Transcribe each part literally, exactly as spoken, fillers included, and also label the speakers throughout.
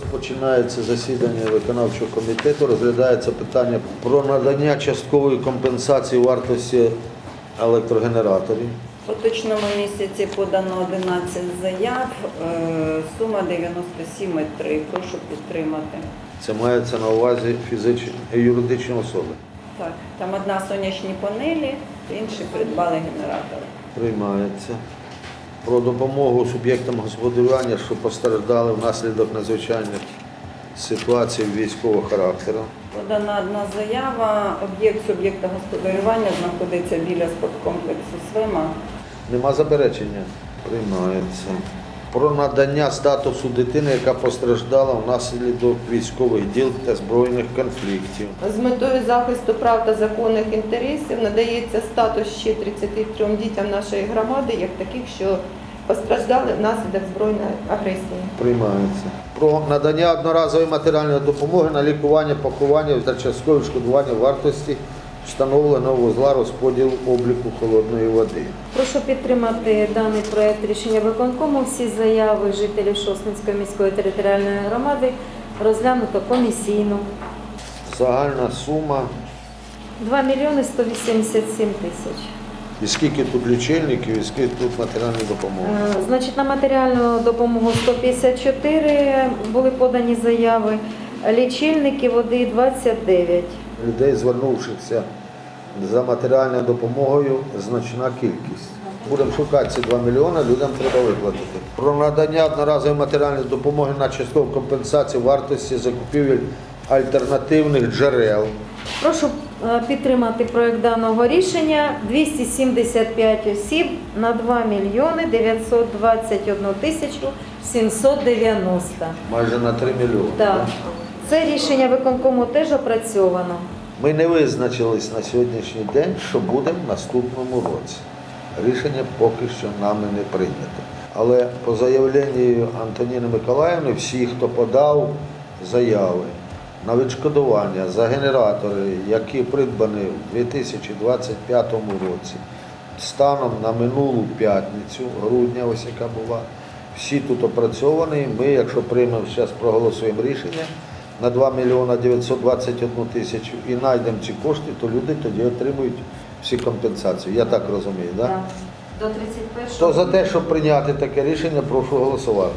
Speaker 1: Розпочинається засідання виконавчого комітету. Розглядається питання про надання часткової компенсації вартості електрогенераторів.
Speaker 2: У поточному місяці подано одинадцять заяв, е, сума дев'яносто сім цілих три. Прошу підтримати.
Speaker 1: Це мається на увазі фізичні і юридичні особи.
Speaker 2: Так, там одна сонячні панелі, інші придбали генератори.
Speaker 1: Приймається. Про допомогу суб'єктам господарювання, що постраждали внаслідок надзвичайних ситуацій військового характеру.
Speaker 2: Подана одна заява, об'єкт суб'єкта господарювання знаходиться біля спорткомплексу «Свема».
Speaker 1: Нема заперечення? Приймається. Про надання статусу дитини, яка постраждала внаслідок військових дій та збройних конфліктів.
Speaker 3: З метою захисту прав та законних інтересів надається статус ще тридцяти трьом дітям нашої громади, як таких, що постраждали внаслідок збройної агресії.
Speaker 1: Приймається. Про надання одноразової матеріальної допомоги на лікування, поховання та часткове відшкодування вартості встановленого вузла розподілу обліку холодної води.
Speaker 4: Прошу підтримати даний проект рішення виконкому. Всі заяви жителів Шосткинської міської територіальної громади розглянуто комісійно.
Speaker 1: Загальна сума.
Speaker 4: два мільйони сто вісімдесят сім тисяч.
Speaker 1: І скільки тут лічильників, і скільки тут матеріальної допомоги?
Speaker 4: Е, Значить, на матеріальну допомогу сто п'ятдесят чотири були подані заяви, лічильники води двадцять дев'ять.
Speaker 1: Людей, звернувшихся за матеріальною допомогою, значна кількість. Будемо шукати ці два мільйони, людям треба виплатити. Про надання одноразової матеріальної допомоги на часткову компенсацію вартості закупівель альтернативних джерел.
Speaker 4: Прошу е, підтримати проект даного рішення. двісті сімдесят п'ять осіб на два мільйони дев'ятсот двадцять одну тисячу сімсот дев'яносто.
Speaker 1: Майже на три мільйони.
Speaker 4: Так. Це рішення виконкому теж опрацьовано.
Speaker 1: Ми не визначились на сьогоднішній день, що буде в наступному році. Рішення поки що нами не прийнято. Але по заявленню Антоніни Миколаївни, всі, хто подав заяви на відшкодування за генератори, які придбані в дві тисячі двадцять п'ятому році, станом на минулу п'ятницю, грудня, ось яка була, всі тут опрацьовані. Ми, якщо приймемо зараз, проголосуємо рішення на два мільйони дев'ятсот двадцять одну тисячу і знайдемо ці кошти, то люди тоді отримують всі компенсації. Я так розумію, так?
Speaker 4: Так. До тридцять першого.
Speaker 1: Хто за те, щоб прийняти таке рішення, прошу голосувати.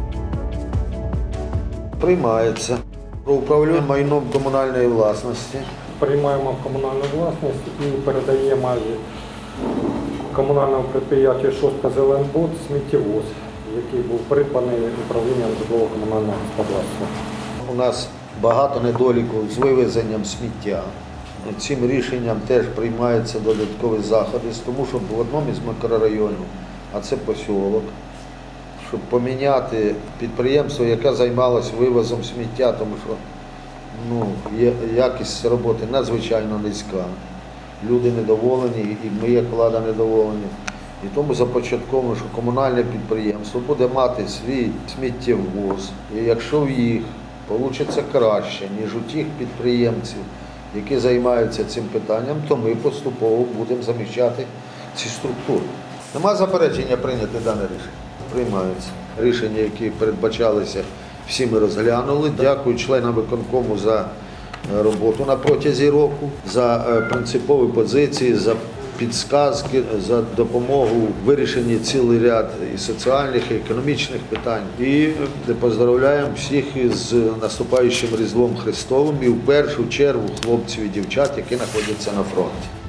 Speaker 1: Приймається. Про управління майном комунальної власності.
Speaker 5: Приймаємо комунальну власність і передаємо комунальному підприємству «Шостка-Зеленбуд» сміттєвоз, який був придбаний управлінням житлово-комунального господарства.
Speaker 1: У нас багато недоліків з вивезенням сміття. Цим рішенням теж приймаються додаткові заходи, тому що в одному із мікрорайонів, а це посілок, щоб поміняти підприємство, яке займалося вивозом сміття, тому що ну, якість роботи надзвичайно низька. Люди недоволені, і ми, як влада, недоволені. І тому започатковано, що комунальне підприємство буде мати свій сміттєвоз, і якщо в їх вийде краще, ніж у тих підприємців, які займаються цим питанням, то ми поступово будемо заміщати ці структури. Нема заперечення прийняти дане рішення? Приймаються. Рішення, які передбачалися, всі ми розглянули. Дякую членам виконкому за роботу на протязі року, за принципові позиції, за підсказки, за допомогу в вирішенні цілий ряд і соціальних, і економічних питань. І поздравляємо всіх із наступаючим Різдвом Христовим і в першу чергу хлопців і дівчат, які знаходяться на фронті.